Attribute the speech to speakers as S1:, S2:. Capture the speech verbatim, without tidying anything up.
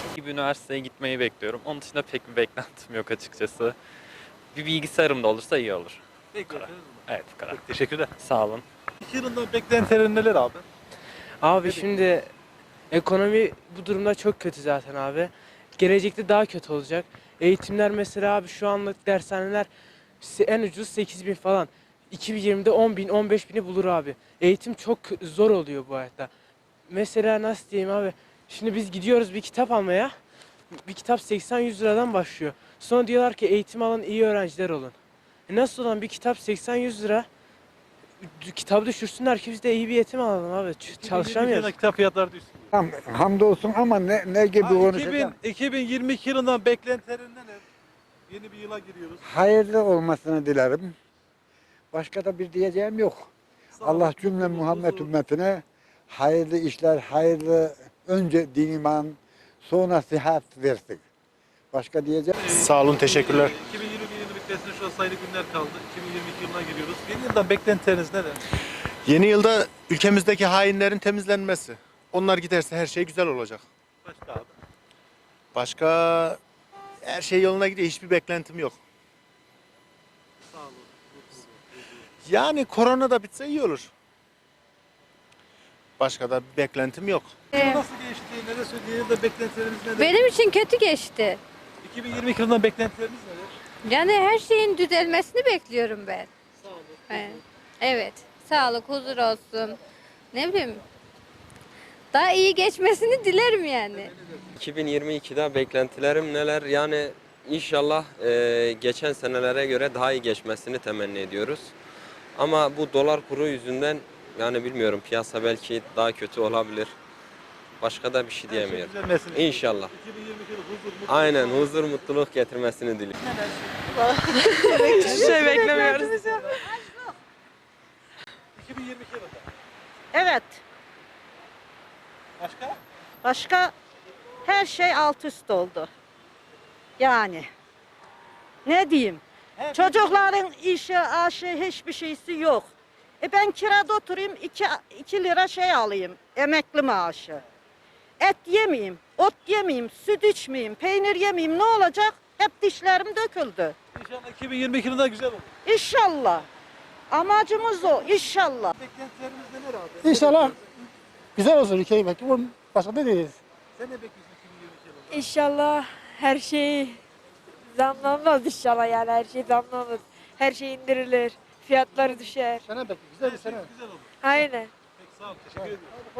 S1: gibi üniversiteye gitmeyi bekliyorum. Onun dışında pek bir beklentim yok açıkçası. Bir bilgisayarım da olursa iyi olur.
S2: Bekliyorsunuz mu?
S1: Evet, bu kadar.
S2: Peki, teşekkürler.
S1: Sağ olun.
S2: iki yılından beklentilerin neler abi?
S3: Abi
S2: Ne
S3: şimdi ekonomi bu durumda çok kötü zaten abi. Gelecekte daha kötü olacak. Eğitimler mesela abi şu anlık dershaneler se- en ucuz sekiz bin falan. iki bin yirmide on bin on beş bini bulur abi. Eğitim çok zor oluyor bu hayatta. Mesela nasıl diyeyim abi. Şimdi biz gidiyoruz bir kitap almaya. Bir kitap seksen yüz liradan başlıyor. Sonra diyorlar ki eğitim alın, iyi öğrenciler olun. E nasıl olan bir kitap seksen yüz lira? Kitabı düşürsünler ki biz de iyi bir eğitim alalım abi. Ç-
S2: iki bin yirmi iki
S3: Çalışamıyoruz.
S2: yılında kitap fiyatları düştü.
S4: Ham, hamdolsun ama ne, ne gibi
S2: Ha,
S4: konuşacağım?
S2: iki bin, iki bin yirmi iki yılından beklentilerin neler? Yeni bir yıla giriyoruz.
S4: Hayırlı olmasını dilerim. Başka da bir diyeceğim yok.
S2: Sağ
S4: Allah
S2: olun,
S4: cümle
S2: mutluluk,
S4: Muhammed
S2: huzur.
S4: ümmetine hayırlı işler, hayırlı önce din iman, sonra sıhhat versin. Başka diyeceğim.
S5: Sağ olun, teşekkürler.
S2: iki bin yirmi bir yılı bitmesine şu an sayılı günler kaldı. iki bin yirmi iki yılına giriyoruz. Yeni yıldan beklentileriniz neler?
S5: Yeni yılda ülkemizdeki hainlerin temizlenmesi. Onlar giderse her şey güzel olacak.
S2: Başka abi.
S5: Başka her şey yoluna gidiyor. Hiçbir beklentim yok.
S2: Sağ olun. mutluluk, huzur.
S5: Yani korona da bitse iyi olur. Başka da bir beklentim yok.
S2: Yıl nasıl geçti? Neler söyleyeyim de beklentileriniz neler?
S6: Benim için kötü geçti.
S2: iki bin yirmi iki yılından beklentileriniz neler?
S6: Yani her şeyin düzelmesini bekliyorum ben.
S2: Sağ olun.
S6: Evet. Evet. Sağlık, huzur olsun. Ne bileyim. Daha iyi geçmesini dilerim yani.
S7: iki bin yirmi ikide beklentilerim neler? Yani inşallah e, geçen senelere göre daha iyi geçmesini temenni ediyoruz. Ama bu dolar kuru yüzünden yani bilmiyorum, piyasa belki daha kötü olabilir. Başka da bir şey
S2: Her şey
S7: diyemiyorum.
S2: düzelmesini
S7: İnşallah.
S2: iki bin yirmi iki yılı huzur, mutluluk.
S7: Aynen, huzur, mutluluk getirmesini diliyorum.
S3: Hiçbir şey beklemiyoruz.
S2: iki bin yirmi iki yılında.
S8: Evet.
S2: Başka?
S8: Başka her şey alt üst oldu. Yani. Ne diyeyim?
S2: Her
S8: Çocukların işi, aşı hiçbir şeysi yok. E ben kirada oturayım iki, iki lira şey alayım. Emekli maaşı. Et yemeyeyim, ot yemeyeyim, süt içmeyeyim, peynir yemeyeyim. Ne olacak? Hep dişlerim döküldü.
S2: İnşallah iki bin yirmi iki yılında güzel olur.
S8: İnşallah. Amacımız o. İnşallah.
S2: Beklentilerimiz neler abi?
S9: İnşallah güzel olsun ülkeyi belki. Bunun başka ne diyeceğiz?
S2: Sen ne bekliyorsun iki bin yirmi iki yılında?
S10: İnşallah her şey zamlanmaz inşallah yani her şey zamlanmaz. Her şey indirilir, fiyatları düşer.
S9: Sene belki güzel bir
S2: Her şey
S9: sene.
S2: güzel olur.
S10: Aynen.
S2: Peki sağ ol. Teşekkür ederim.